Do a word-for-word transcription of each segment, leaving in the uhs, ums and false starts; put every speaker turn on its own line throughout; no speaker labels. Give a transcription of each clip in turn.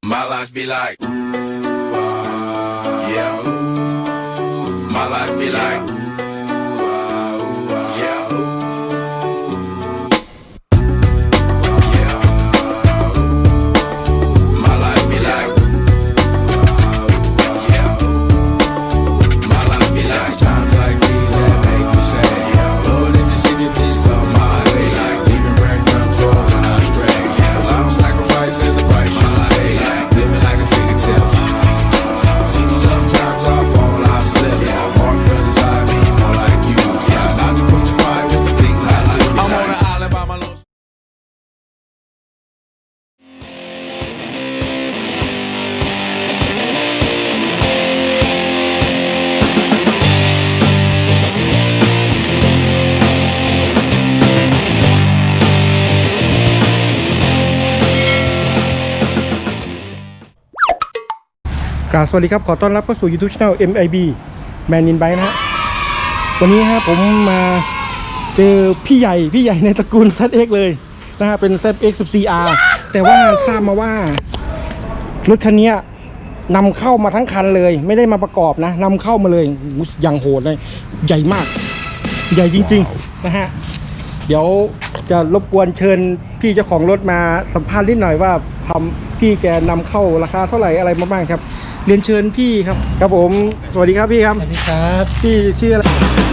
My life be like, ooh, ah, yeah, ooh. My life be like, ooh, ah, ooh, ah, yeah, ooh. Yeah, ooh. My life be like, ooh, ah, yeah, ooh. My life be like times like these that make me say, yeah, Lord, if you see me, please come my way. Like leaving breadcrumbs for when I stray. Yeah, well, I'm sacrificing the price you pay. Like living like a figure tale. Sometimes I fall, I slip. Yeah, more friends I be more like you. Yeah, not to put you fight with the things I do. I'm on an island by my little.
กราบสวัสดีครับขอต้อนรับเข้าสู่ YouTube Channel เอ็ม ไอ บี Man in Bike นะฮะวันนี้ฮะผมมาเจอพี่ใหญ่พี่ใหญ่ในตระกูล แซด เอ็กซ์ เลยนะฮะเป็น แซด เอ็กซ์ สิบสี่ อาร์ แต่ว่าทราบมาว่ารถคันนี้นำเข้ามาทั้งคันเลยไม่ได้มาประกอบนะนำเข้ามาเลยอย่างโหดเลยใหญ่มากใหญ่จริงๆนะฮะเดี๋ยวจะรบกวนเชิญพี่เจ้าของรถมาสัมภาษณ์นิดหน่อยว่าทำพี่แกนำเข้าราคาเท่าไหร่อะไรมาบ้างครับเรียนเชิญพี่ครับครับผมสวัสดีครับพี่ครับ
สวัสดีครับ
พี่ชื่ออะไร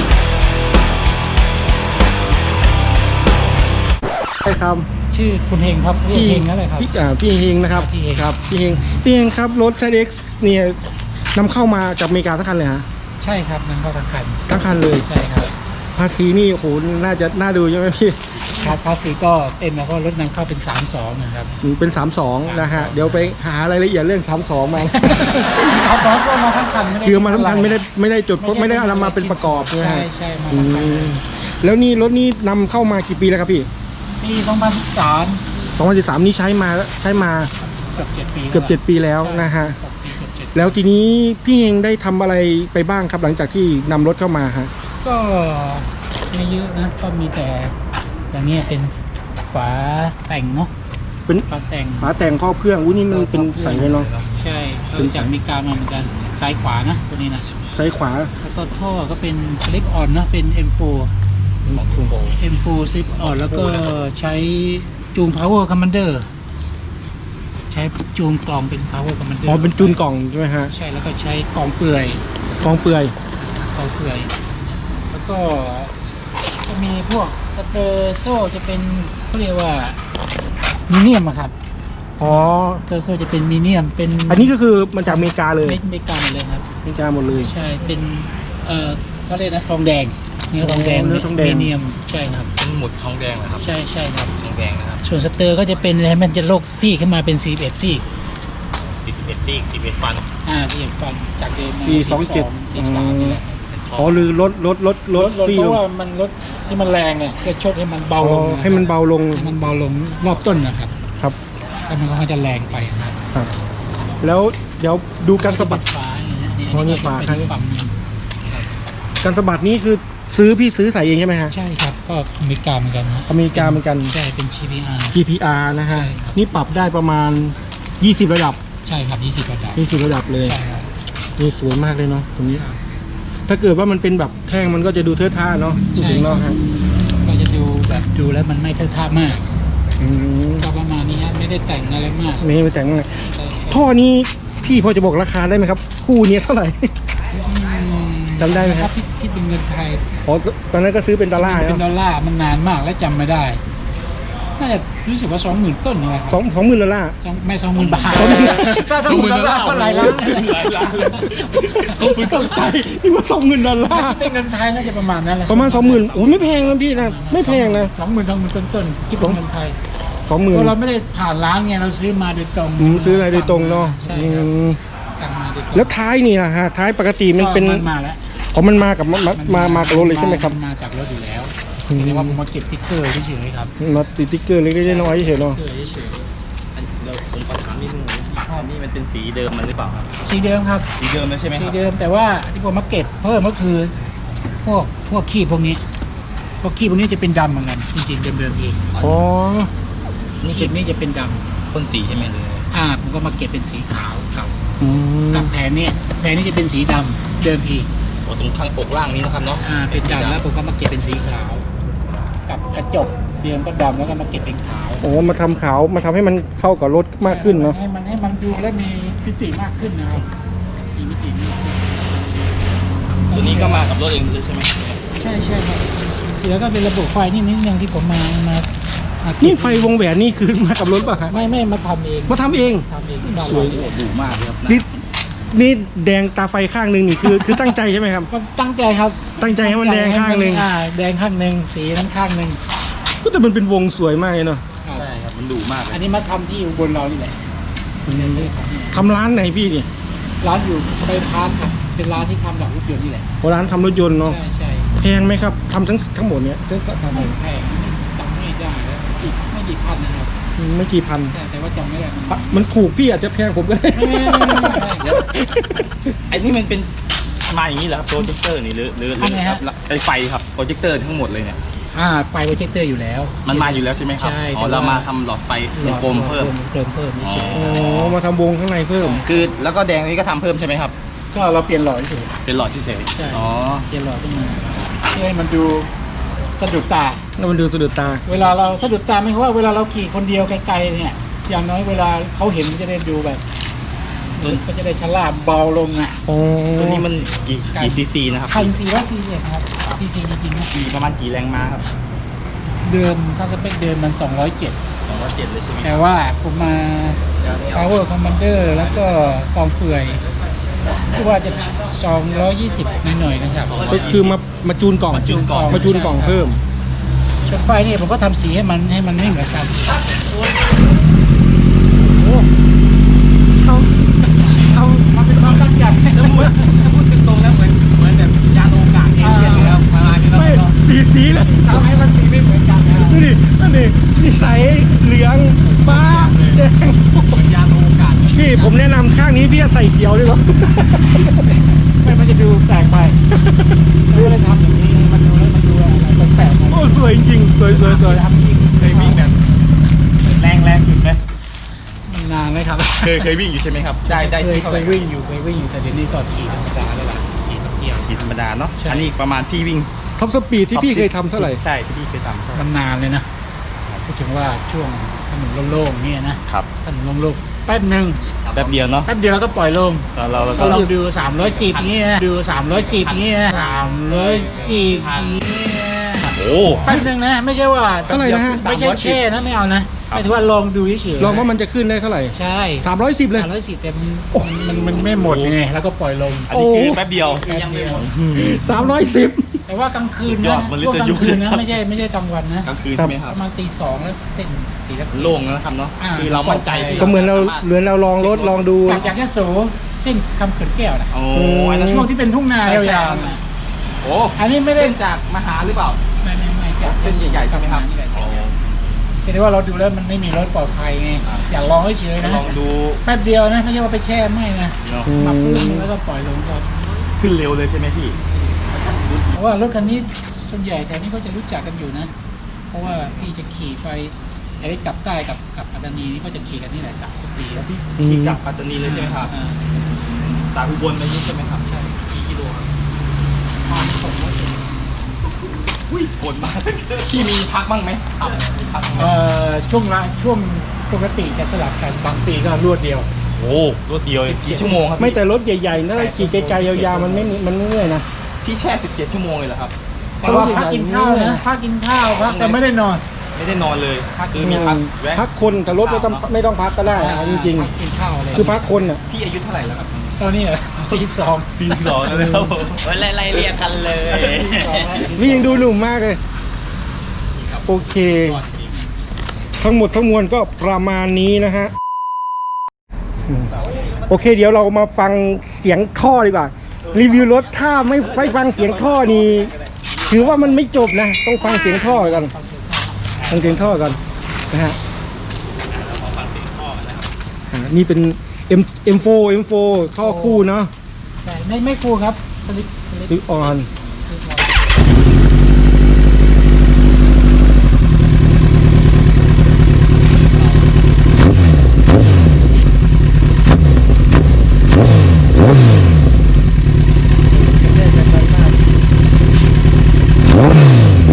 ใช่ครับ
ชื่อคุณเฮงครับพี่เฮงนั่นแหละครับ
พี่อ่าพี่เฮงนะครับพี่เฮงครับพี่เฮงพี่เฮงครับรถ แซด เอ็กซ์ เนี่ยนำเข้ามาจากอเมริกาทั้งคันเลยฮะ
ใช่ครับนำเข้าทั้งคัน
ทั้งคันเลย
ใช่ครับ
ภาษีนี่โอ้โหน่าจะน่าดูใช่ไหมพี่
ครับภาษีก็เต็มแล้วเพราะรถนำเข้าเป็นสามสองนะครับ
เป็นสามสองนะฮะเดี๋ยวไปหารายละเอียดเรื่องสามสองมา
สามสองก็มาทั้งคัน
คือมาทั้งคันไม่ได้ไม่ได้จดไม่ได้เอามาเป็นประกอบใช่ไหม
ใช่ใช่มาทั้งคัน
แล้วนี่รถนี้นำเข้ามากี่ปีแล้วครับพี่
ปีสองพันสิบสาม
สองพันสิบสามนี้ใช้มาใช้มา
เกือบเจ็ดปี
เกือบเจ็ดปีแล้วนะฮะแล้วทีนี้พี่เองได้ทำอะไรไปบ้างครับหลังจากที่นำรถเข้ามาฮะ
ก็ไม่เยอะนะก็มีแต่อย่างนี้เป็นฝาแต่งเนาะ
เป็น
ฝาแต่ง
ฝาแต่งครอบเครื่องอุ้ยนี่มันเป็นใส่เลยเนาะ
ใช่เป็นจากมีการมาเหมือนกันซ้ายขวานะตัวนี้นะ
ซ้ายขวา
แล้วก็ท่อก็เป็นสลิปออนนะเป็น เอ็ม โฟร์ เอ็ม โฟร์ สลิปออนแล้วก็ใช้จูง power commander ใช้จูงกล่องเป็น power commander
อ๋อเป็นจูนกล่องใช่ไหมฮะ
ใช่แล้วก็ใช้กล่องเปลือย
กล่องเปลือย
กล่องเปลือยแล้วก็จะมีพวกสเตอร์โซ่จะเป็นเขาเรียกว่ามีเนียมอะครับ
อ๋อ
สเตอร์โซ่จะเป็นมีเนียมเป็น
อันนี้ก็คือมันจากอเมริกาเลย
อเมริกาหมดเลยครับ
อเมริกาหมดเลย
ใช่เป็นเอ่อเขาเรียกนะทองแดงเนื้อทองแดง
เนื้อทองแดง
มีเนียมใช่ครับ
เป็นหมุดทองแดงเหรอครับ
ใช่ใช่ครับ
ทองแดงนะครับ
ส่วนสเตอร์ก็จะเป็นอะไรมันจะโลกซี่ขึ้นมาเป็นสี่สิบเอ็ดซี่
สี่สิบเอ็ดซี่สี่สิบเอ็ดฟัน
อ่าสี่สิบเอ็ดฟันจากเดิม
สี่สองเจ็ด
สี่สามนี่แหละ
อ๋อหรือลดลดลดลด
ซี่เพราะว่ามันลดที่มันแรงไงก็ชดให้มันเบาลง
ให้มันเบาลง
ให้มันเบาลงรอบต้นนะครับ
ครับ
ถ้ามันก็จะแรงไปนะครับ
แล้วเดี๋ยวดูการสะบัด
ฝาอย่างเงี้ย
อ๋อนี่ฝาครั้ง
ฝั่งนึง
การสะบัดนี้คือซื้อพี่ซื้อใส่เองใช่ไหมฮะ
ใช่ครับก็อเมริกาเหมือนกันฮะ
อเมริกาเหมือนกัน
ใช่เป็น จี พี อาร์
จี พี อาร์ นะฮะนี่ปรับได้ประมาณยี่สิบระดับ
ใช่ครับยี่สิบระดับ
ยี่สิบระดับเลย
ใช่ครับ
นี่สวยมากเลยเนาะตรงนี้ถ้าเกิดว่ามันเป็นแบบแท่งมันก็จะดูเท่ท่าเนาะพูดถึงเนาะฮะ
ก็จะดูแบบดูแล้วมันไม่เท่ท่ามากก็ประมาณนี้ฮะไม่ได้แต่งอะไรมาก
ไม่ได้แต่งอะไรท่อนี้พี่พอจะบอกราคาได้ไหมครับคู่นี้เท่าไหร่จำได้ไหมครับ
คิดเป็นเงินไทย
อ๋อตอนนั้นก็ซื้อเป็นดอลลาร์
เป็นดอลลาร์มันนานมากแล้วจำไม่ได้น่าจะรู้สึกว่าสองหมื่นต้นอะไรครับ
สองสองหมื่นดอลลาร์
ไม่สองหมื่นบาทถ้าสองหมื่นดอลลาร์ก็หลายล้าน
หลายล้าน
สองหมื่นต้นไทยนี่ว่าสองหมื่นดอลลาร์
เป็นเงินไทยน่าจะประมาณนั้นแหละ
ประมาณสองหมื่นโอ้ไม่แพงนะพี่นะไม่แพงนะ
สองหมื่นสองหมื่นต้นต้นคิดเป็นเงินไทย
สองหมื่น
เราไม่ได้ผ่านร้านไงเราซื้อมาโดยตรง
ซื้ออะไรโดยตรงเนาะ
สั่งมาโดยตรง
แล้วท้ายนี่นะฮะท้ายปกติมันเป็น
มาแล้ว
อ๋อมันมากับมามามากับรถเลยใช่ไหมครับ
มาจากรถอยู่แล้วแต่ว่าผมมาเก็บติ๊กเกอร์เฉยๆครับ
มาติดติ๊กเกอร์เล็กๆน้อยๆเฉยๆเนาะ
เราผมขอถามนิดนึงนี่มันเป็นสีเดิมมันหรือเปล่าครับ
สีเดิมครับ
สีเดิมแล้วใช่ไหมครับ
สีเดิมแต่ว่าที่ผมมาเก็บเพิ่มก็คือพวกพวกขี้พวกนี้พวกขี้พวกนี้จะเป็นดำเหมือนกันจริงๆเดิมๆเอง
อ๋อ
นี่ขี้นี้จะเป็นดำ
พ่นสีใช่ไหมเลย
อ่าผมก็มาเก็บเป็นสีขาวกับ
อืม
กับแผงเนี่ยแผงนี้จะเป็นสีดำเดิมที
โอ้ตรงข้างอกล่างนี้นะครับเนาะ
อ่าเป็นดำแล้วผมก็มาเก็บเป็นสีขาว กับกระจกเดิมก็ดำแล้วก็มาเก็บเป็นขาว
โอ้มาทำขาวมาทำให้มันเข้ากับรถมากขึ้นเนาะ
ให้มันให้มันดูแล้วมีมิติมากขึ้นนะครับมีมิติมากขึ้น
ตัวนี้ก็มากับรถเองเลยใช่ไหม
ใช่ใช่ครับเดี๋ยวก็เป็นระบบไฟนี่นิดนึงที่ผมมามามาเก็บ
นี่ไฟวงแหวนนี่คือมากับรถป่ะฮะ
ไม่ไม่มาทำเอง
มาทำเอง
ทำเองที่บ้าน
สวย
เรา
โอ้ดุมากเลยครับ
นี่นี่แดงตาไฟข้างหนึ่งนี่คือ คือตั้งใจใช่ไหมครับ
มันตั้งใจครับ
ตั้งใจให้มันแดงข้างหนึ่ง
อ่าแดงข้างหนึ่งสีนั้นข้างหนึ่ง
ก็แต่มันเป็นวงสวยมากเลยเนาะ
ใช่ครับมันดุมากเล
อัน
ย
นี้มาทำที่อุบลเรานี่แหละ
ทำร้านไหนพี่นี่
ร้านอยู่สบายพาร์ทครับเป็นร้านที่ทำแบบรถยนต์นี่แหละ
โอ้ร้านทำรถยนต์เนาะ
ใช่ใช่
แพงไหมครับทำทั้งทั้งหมดเนี้ย
ทำไม่แพงจำไม่ได้แล้วอีกไม่กี่พันนะครับ
ไม่กี่พัน
ใช่แต่ว่าจำไม่ได้มัน
อ่ะมันถูกพี่อาจจะแพงผมก็ได้
ไม่ไม่ไม่ไม่ไม่
เดี๋ยวไอ้นี่มันเป็นมาอย่างนี้เหรอครับโปรเจคเตอร์นี่หรือหรือหรือครับไอ้ไฟครับโปรเจคเตอร์ทั้งหมดเลยเนี่ย
อ่าไฟโปรเจคเตอร์อยู่แล้ว
มันมาอยู่แล้วใช่ไหมครับ
ใช่
อ๋อ
แต่ว่า
เรามาทำหลอดไฟกลมๆเพิ่ม
เพิ่มเพิ่มเฉย
อ๋อมาทำวงข้างในเพิ่ม
คือแล้วก็แดงนี้ก็ทำเพิ่มใช่ไหมครับ
ๆก็เราเปลี่ยนหลอดเฉย
เป็นหลอดเฉย
ใช่
ๆอ๋อ
เปลี่ยนหลอดขึ้นมาเพื่อให้มันดูสะดุดตา
แล้วมันดูสะดุดตา
เวลาเราสะดุดตาไม่ใช่ว่าเวลาเราขี่คนเดียวไกลๆเนี่ย อย่างน้อยเวลาเขาเห็นมันจะได้ดูแบบก็จะได้ชะล่าเบาลงอ่ะ
อ๋อ
ตัวนี้มันกี่กี่ซีซีนะครับ
พันสี่ร้อยซีซีครับซีซีจริงๆนะ
กี่ประมาณกี่แรงม้าครับ
เดิมถ้าสเปคเดิมมันสองร้อยเจ็ด
สองร้อยเจ็ดเลยใช่ไหม
แต่ว่าผมมา Power Commander แล้วก็กองเปื่อยชื่อว่าจะสองร้อยยี่สิบหน่อยๆนะครับ
ก็คือมามาจูนกล่อง
มาจูนกล่อง
มาจูนกล่องเพิ่ม
ชนไฟเนี่ยผมก็ทำสีให้มันให้มันไม่เหมือนกัน
เขาเขา
มันเป็นความตั้งใจ
ถ้าพูดถ้าพูดตรงๆแล้วเหมือนเหมือนแบบยานอวกาศเอเลี่ยนเลยครับประมาณนี้แล้ว
ไม่
ก็
สีสีเลย
ทำให้มันสีไม่เหมือนกันนะครับ
ดูดินั่นดินิสัยเหลืองฟ้าแดง
เหมือนยานอวกาศ
พี่ผมแนะนำข้างนี้พี่ใส่เขียวดีกว่า
ไม่มันจะดูแปลกไปดูเลยทำอย่างนี้มันดูแล้วมันดูอะไรแปลกๆนะ
โอ้สวยจริงๆสวยสวยสวย
ทำยิ่ง
เคยวิ่งแบบแรงแรงสุดไหม
มันนานไหมครับ
เคยเคยวิ่งอยู่ใช่ไหมครับ ได้ได้
เคย
ที่เท่า
เค
ไหร่
ยวิ่งอยู่เคยวิ่งอยู่แต่เดี๋ยวนี้ก็ขี่ธรรมดาแล้วล่ะขี่ท่องเที่ยว
ขี่ธรรมดาเนาะ
ใช่
อันนี้ประมาณพี่วิ่ง
ท็อปสปีดที่พี่เคยทำเท่าไหร่
ใช่ที่พี่เคยทำเท่าไหร่
มันนานเลยนะพูดถึงว่าช่วงถนนโล่งๆเนี่ยนะครับ ถนนโล่งๆแป๊บหนึ่ง
แป๊บเดียวเนาะ
แป๊บเดียวแล้วก็ปล่อยลง
เราเราเรา
ก็
ก็
ลองดูสามร้อยสิบเงี้ยดูสามร้อยสิบเงี้ยสามร้อยสิบเงี้ย
โอ้
แป๊บหนึงนะไม่ใช่ว่า
เท่าไหร่นะฮะ
ไม่ใช่แช่นะไม่เอานะหมายถึงว่าลองดูเฉยๆ
ลองว่ามันจะขึ้นได้เท่าไหร่
ใช่
สามร้อยสิบเลย
สามร้อยสิบแต่มันมันมันไม่หมดไงแล้วก็ปล่อยลง
อันนี้คือ
โอ้
แป๊บเดียว
แป๊บเดียว
สามร้อยสิบ
แต่ว่ากลางคืน
สุดย
นะ
อดมันเลย
ช่วงกลางคืน
จะ
นะ
ยุ่ง
ไม่ใช่ไม่ใช่กลางวันนะ
กลางคืน
ครับ
ใช่ไหมค
ป
รับ
ระมาณตีสองแล้วเส้นสีแล้ว
โล่งแล้วนะครับเนาะ
อ่า
คือเรามั่นใจที่
ก็เหมือนเราเหมือนเราลองรถลองดู
กลับจากยะโสเส้นคำเขื่อนแก้วนะ
โอ้อันนั้น
ช่วงที่เป็นทุ่งนา
ใช่ใช่
ยาวๆนะ
โอ้
อันนี้ไม่ได้
เส้นจากมหาหรือเปล่า
ไม่ไม่ไม่จาก
เส้นใหญ่ๆใช่ไหมครับ
นี่แหละ
โอ้
แต่ว่าเราดูแล้วมันไม่มีรถปลอดภัยไง
ครับ
อยากลองเฉยๆนะ
ลองดู
แป๊บเดียวนะไม่ใช่ว่าไปแช่ไม่นะ
เนาะ
อืม
มาพื้นแล้วก็ปล่อยลงก็
ขึ้นเร็วเลยใช่ไหมพี่
เพราะว่ารถคันนี้ส่วนใหญ่แถวนี้ก็จะรู้จักกันอยู่นะ เพราะว่าพี่จะขี่ไปไอ้กลับใต้กับกับปัตตานีนี่ก็จะขี่กันนี่แหละกลับทุกปีแล้วพี่
อืม
ที่กลับปัตตานีเลยใช่ไหมครับ
อ่า
จากอุบลไปนี่ใช่ไหมครับ
ใช่
กี่กิโลครับ
ผ่านสองร้อยกิโล
อุ้ยโหดมาก พี่มีพักบ้างไหมครับมีพักบ้างไหม
เอ่อช่วงละช่วงปกติจะสลับกันบางปีก็รวดเดียว
โอ้รวดเดียวกี่ชั่วโมงครับพี่
ไม่แต่รถใหญ่ๆนะขี่ไกลๆยาวๆมันไม่มีมันไม่เมื่อยนะ
พี่แช่สิบเจ็ดชั่วโมงเลยเหรอครับ
แต่ว่าพักกินข้าวนะพักกินข้าวพักแต่ไม่ได้นอน
ไม่ได้นอนเลยคือมีพักแวะ
พักคนแต่รถไม่ต้องไม่ต้องพักก็ได้นะจริง
พักกินข้าวอะไร
ๆ คือพักคนอ่ะ
พี่อายุเท่าไหร่แล้วครับ
ตอนนี้เหรอสี่สิบสอง
สี่สิบสองแล้วนะครับผมไล่ไล่เรียกกันเลย
นี่ยังดูหนุ่มมากเลย โอเค ทั้งหมดทั้งมวลก็ประมาณนี้นะฮะอืมโอเค เดี๋ยวเรามาฟังเสียงท่อดีกว่า รีวิวรถถ้าไม่ไม่ฟังเสียงท่อนี่ถือว่ามันไม่จบนะ ต้องฟังเสียงท่อกันฟังเสียงท่อกันนะฮะอ่านี่เป็น M เอ็ม โฟร์ เอ็ม โฟร์ ท่อคู่เนาะ
ใช่ไม่ไม่ฟูลครับสลิปสลิป
ลิปออน
สลิปออน
แยกกันไกลมากโอ้โห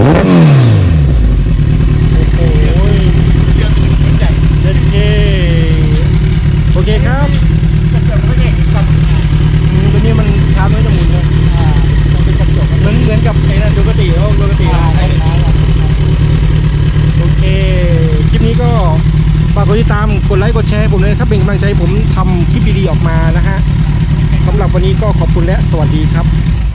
เด็ดเคโอเคครับอืมตัวนี้มันช้าไม่จะหมุนเลยเหมือนเหมือนกับไอ้นั่นดูกติโอ้ดูกติโอเคคลิปนี้ก็ฝากกดติดตามกดไลค์กดแชร์ให้ผมเลยครับเป็นกำลังใจให้ผมทำคลิปดีๆออกมานะฮะสำหรับวันนี้ก็ขอบคุณและสวัสดีครับ